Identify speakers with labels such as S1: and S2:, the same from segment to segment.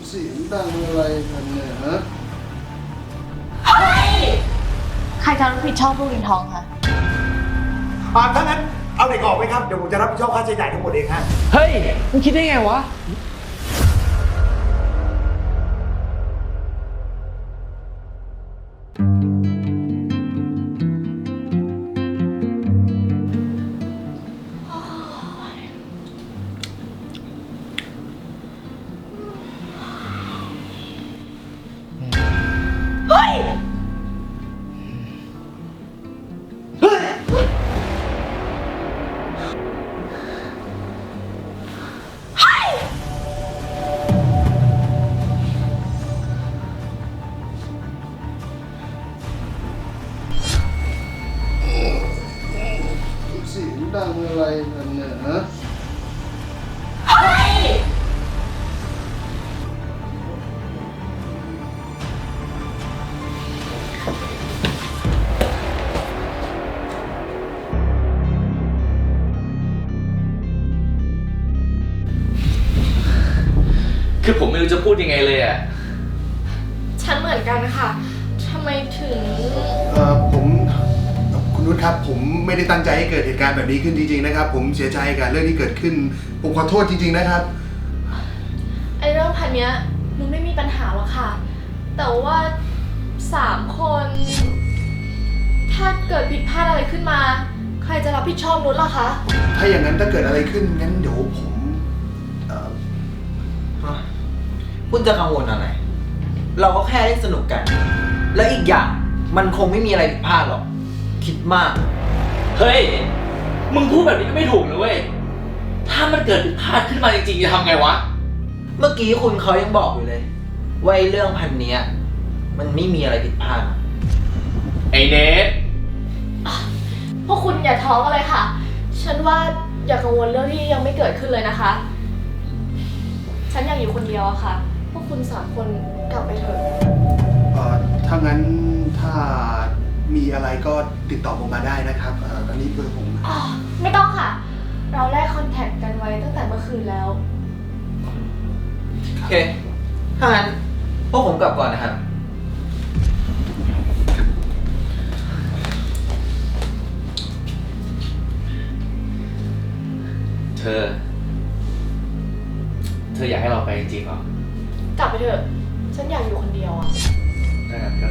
S1: เสียงดังอะไรกันเนี่ยฮะ
S2: ใครจะรับผิดชอบลูกลินทองคะ
S3: ถ้างั้นเอาเด็กออกไหมครับ เดี๋ยวผมจะรับผิดชอบค่าใช้จ่ายทั้งหมดเองฮะ
S4: เฮ้ยมึงคิดได้ไงวะ
S1: เสียงดังอะไรกันเนี่ยฮะ
S4: คือผมไม่รู้จะพูดยังไงเลยอ่ะ
S2: ฉันเหมือนกันค่ะทำไมถึง
S1: คุณนุชครับผมไม่ได้ตั้งใจให้เกิดเหตุการณ์แบบนี้ขึ้นจริงๆนะครับผมเสียใจกับเรื่องที่เกิดขึ้นผมขอโทษจริงๆนะครับ
S2: ไอ้เรื่องพันเนี้ยนุ้นไม่มีปัญหาหรอกค่ะ แต่ว่า3 คน ถ้าเกิดผิดพลาดอะไรขึ้นมา ใครจะรับผิดชอบนุ้นล่ะคะ
S1: ถ้าอย่างนั้นถ้าเกิดอะไรขึ้นงั้นเดี๋ยวผม
S5: คุณจะกังวลอะไร เราก็แค่เล่นสนุกกัน แล้วอีกอย่างมันคงไม่มีอะไรผิดพลาดหรอก คิดมาก
S4: เฮ้ย มึงพูดแบบนี้ก็ไม่ถูกนะเว้ย ถ้ามันเกิดผิดพลาดขึ้นมาจริงๆจะทำไงวะ
S5: เมื่อกี้คุณเขายังบอกอยู่เลยว่าไอ้เรื่องพันเนี้ยมันไม่มีอะไรผิดพลาด
S4: ไอ้เนท
S2: พวกคุณอย่าท้อกันเลยค่ะ ฉันว่าอย่ากังวลเรื่องที่ยังไม่เกิดขึ้นเลยนะคะ ฉันอยากอยู่คนเดียวอะค่ะ พวกคุณ3 คนกลับไปเถอะ
S1: ถ้างั้นถ้ามีอะไรก็ติดต่อผมมาได้นะครับอันนี้เบอร์ผม
S2: อ๋อไม่ต้องค่ะ เราแลกคอนแทคกันไว้ตั้งแต่เมื่อคืนแล้ว
S5: โอเค ถ้างั้นพวกผมกลับก่อนนะครับ
S4: เธออยากให้เราไปจริงๆเหรอ
S2: กลับไปเถอะ ฉันอยากอยู่คนเดียวอะ
S4: ถ้างั้นก็ได้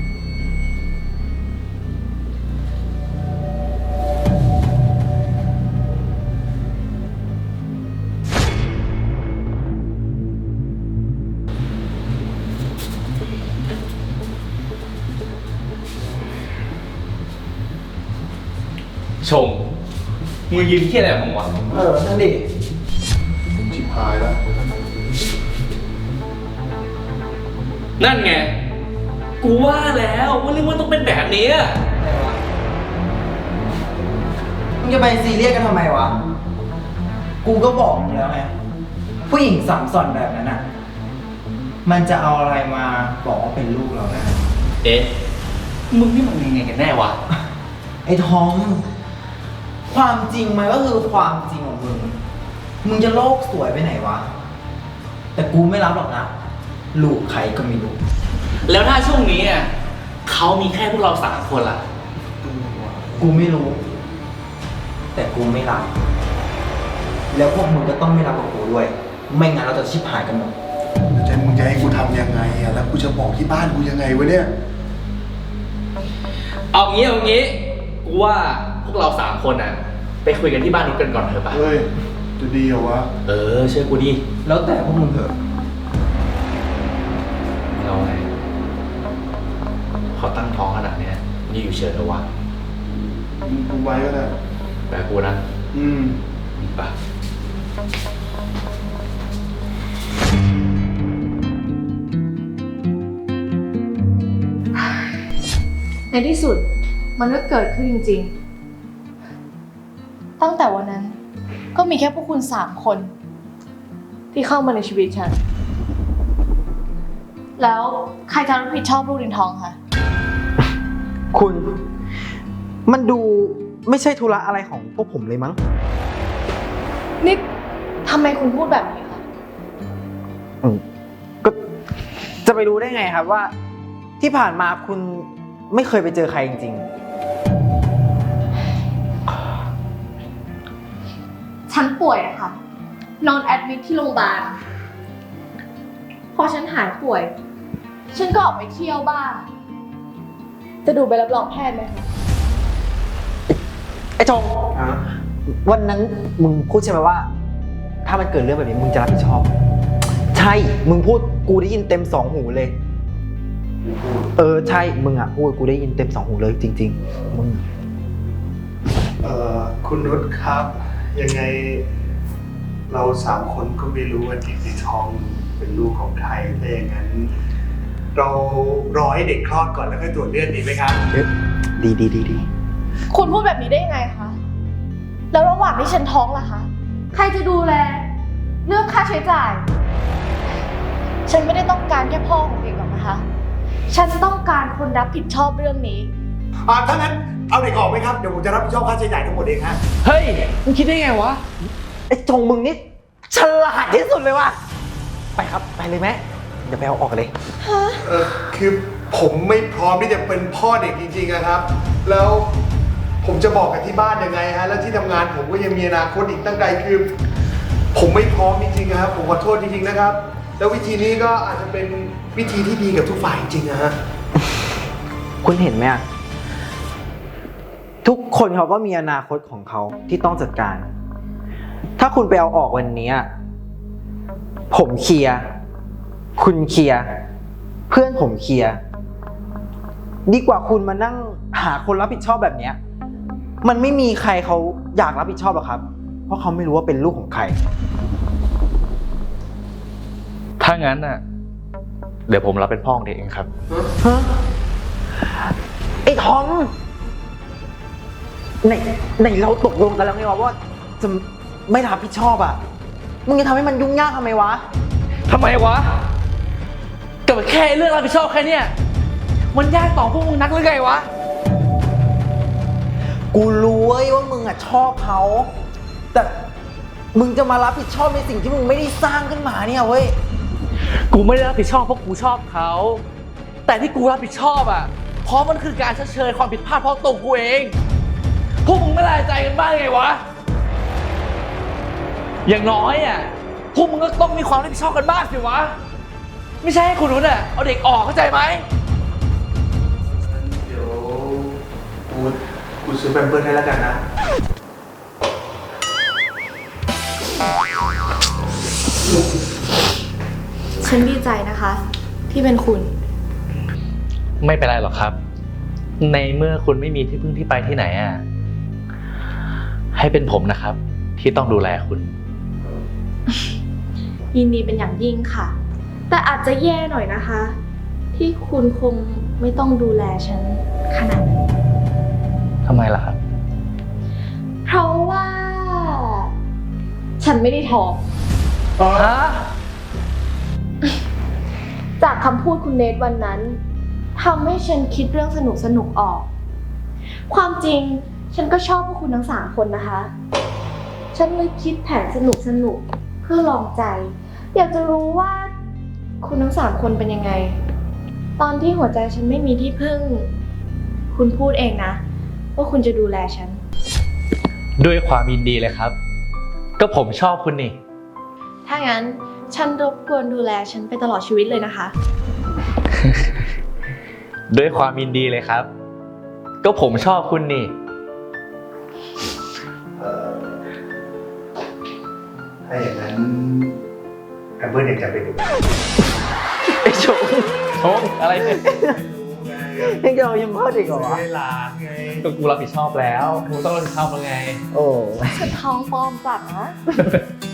S4: ชงมึงยิ้มที่อะไรของวะ
S5: นั่นดิ
S1: ชิบหายแล้ว
S4: นั่นไง กูว่าแล้วว่าเรื่องมันต้องเป็นแบบนี้อะ
S5: มึงจะไปซีเรียสกันทำไมวะ กูก็บอกมึงแล้วไง ผู้หญิงสัมสอนแบบนั้นอ่ะ มันจะเอาอะไรมาบอกว่าเป็นลูกเราได้
S4: เอ๊ะ มึงนี่มันยังไงกันแน่วะ
S5: ไอ้ทอม ความจริงมันก็คือความจริงของมึง มึงจะโลกสวยไปไหนวะ แต่กูไม่รับหรอกนะ ลูกใครก็ไม่รู้
S4: แล้วถ้าช่วงนี้อ่ะเขามีแค่พวกเรา3 คนล่ะ
S5: กูไม่รู้ แต่กูไม่รับ แล้วพวกมึงก็ต้องไม่รับกับกูด้วย ไม่งั้นเราจะชิบหายกันหมด
S1: มึงจะให้กูทำยังไงอะแล้วกูจะบอกที่บ้านกูยังไงวะเนี่ย
S4: เอางี้กูว่าพวกเรา3 คนอ่ะ ไปคุยกันที่บ้านนุ๊กกันก่อนเถอะปะ
S1: เฮ้ยจะดีเหรอวะ
S4: เชื่อกูดิ
S5: แล้วแต่พวกมึงเถอะ
S4: เราไงเขาตั้งท้องขนาดเนี้ยมันจะอยู่เฉยเหรอวะ
S1: กูไว้ก็ได้
S4: แต่กูนะ ไป
S2: ในที่สุดมันก็เกิดขึ้นจริงๆ ตั้งแต่วันนั้นก็มีแค่พวกคุณ3 คน ที่เข้ามาในชีวิตฉัน แล้วใครจะรับผิดชอบลูกลินทองคะ
S5: คุณ มันดูไม่ใช่ธุระอะไรของพวกผมเลยมั้ง
S2: นี่ทำไมคุณพูดแบบนี้คะ
S5: ก็จะไปรู้ได้ไงครับว่าที่ผ่านมาคุณไม่เคยไปเจอใครจริง
S2: ฉันป่วยอะค่ะ นอนแอดมิทที่โรงพยาบาล พอฉันหายป่วย ฉันก็ออกไปเที่ยวบ้าง จะดูใบรับรองแพทย์ไหมคะ
S5: ๆ ไอ้จงวันนั้นมึงพูดใช่ไหมว่า ถ้ามันเกิดเรื่องแบบนี้มึงจะรับผิดชอบ ใช่ มึงพูดกูได้ยินเต็ม2 หูเลย ใช่ มึงอ่ะพูดกูได้ยินเต็ม2 หูเลยจริงๆ มึง
S1: คุณนุชครับ ยังไงเรา3 คนก็ไม่รู้ว่าเด็กในท้องเป็นลูกของใครถ้าอย่างนั้น เรารอให้เด็กคลอดก่อนแล้วค่อยตรวจเลือดดีไหมครับ
S5: ดี
S2: คุณพูดแบบนี้ได้ยังไงคะ แล้วระหว่างที่ฉันท้องล่ะคะ ใครจะดูแล เรื่องค่าใช้จ่าย ฉันไม่ได้ต้องการแค่พ่อของเด็กหรอกนะคะ ฉันต้องการคนรับผิดชอบเรื่องนี้
S3: ถ้างั้นเอาเด็กออกไหมครับ เดี๋ยวผมจะรับผิดชอบค่าใช้จ่ายทั้งหมดเองฮะ
S4: เฮ้ย มึงคิดได้ไงวะ
S5: ไอ้จงมึงนี่ฉลาดที่สุดเลยว่ะ ไปครับ ไปเลยไหมเดี๋ยวไปเอาออกกันเลย
S1: คือผมไม่พร้อมที่จะเป็นพ่อเด็กจริงๆนะครับ แล้วผมจะบอกกับที่บ้านยังไงฮะ แล้วที่ทำงานผมก็ยังมีอนาคตอีกตั้งไกลคือ ผมไม่พร้อมจริงๆนะครับ ผมขอโทษจริงๆนะครับ แล้ววิธีนี้ก็อาจจะเป็นวิธีที่ดีกับทุกฝ่ายจริงๆนะฮะ
S5: คุณเห็นไหมอะทุกคนเขาก็มีอนาคตของเขาที่ต้องจัดการ ถ้าคุณไปเอาออกวันนี้อะผมเคลียร์คุณเคลียร์เพื่อนผมเคลียร์ดีกว่าคุณมานั่งหาคนรับผิดชอบแบบเนี้ยมันไม่มีใครเขาอยากรับผิดชอบหรอกครับ เพราะเขาไม่รู้ว่าเป็นลูกของใคร
S4: ถ้างั้นน่ะ เดี๋ยวผมรับเป็นพ่อของเด็กเองครับ
S5: ฮะไอ้ทอมไหนเราตกลงกันแล้วไงวะว่าจะไม่รับผิดชอบอ่ะมึงจะทำให้มันยุ่งยากทำไมวะ
S4: ทำไมวะกับแค่เรื่องรับผิดชอบแค่เนี้ยมันยากต่อพวกมึงนักหรือไงวะ
S5: กูรู้เว้ยว่ามึงอ่ะชอบเขาแต่มึงจะมารับผิดชอบในสิ่งที่มึงไม่ได้สร้างขึ้นมาเนี่ยเว้ย
S4: กูไม่ได้รับผิดชอบเพราะกูชอบเขา แต่ที่กูรับผิดชอบอ่ะ เพราะมันคือการชดเชยความผิดพลาดเพราะตัวกูเอง พวกมึงไม่ละใจกันบ้างไงวะ อย่างน้อยอ่ะ พวกมึงก็ต้องมีความรับผิดชอบกันบ้างสิวะ ไม่ใช่ให้คุณนุ้นอ่ะเอาเด็กออกเข้าใจไหม
S1: เดี๋ยวกูซื้อแพมเพิร์สให้แล้วกันนะ
S2: ฉันดีใจนะคะ ที่เป็นคุณ
S4: ไม่เป็นไรหรอกครับ ในเมื่อคุณไม่มีที่พึ่งที่ไปที่ไหนอ่ะ ให้เป็นผมนะครับ ที่ต้องดูแลคุณ
S2: ยินดีเป็นอย่างยิ่งค่ะ แต่อาจจะแย่หน่อยนะคะ ที่คุณคงไม่ต้องดูแลฉันขนาดนั้น
S4: ทำไมล่ะครับ
S2: เพราะว่า ฉันไม่ได้ท้อง
S4: ฮะ
S2: จากคำพูดคุณเนทวันนั้นทำให้ฉันคิดเรื่องสนุกออก ความจริงฉันก็ชอบพวกคุณทั้ง3 คนนะคะ ฉันเลยคิดแผนสนุกเพื่อลองใจ อยากจะรู้ว่าคุณทั้ง3 คนเป็นยังไง ตอนที่หัวใจฉันไม่มีที่พึ่ง คุณพูดเองนะว่าคุณจะดูแลฉัน
S4: ด้วยความยินดีเลยครับ ก็ผมชอบคุณนี่
S2: ถ้างั้นฉันรบกวนดูแลฉันไปตลอดชีวิตเลยนะคะ
S4: ด้วยความยินดีเลยครับ ก็ผมชอบคุณนี่
S1: ถ้าอย่างนั้นแพมเพิร์สยังจะเป็นอยู่
S5: ไอ้ชง
S4: โอ้อะไรเนี่ย
S5: ยังจะเอายังพ่อเด็กเหรอวะ
S1: ไม่ลาไง
S4: ก็กูรับผิดชอบแล้วกูต้องรับผิดชอบแล้วไง
S5: โอ้
S2: ฉันท้องปลอมจัดนะ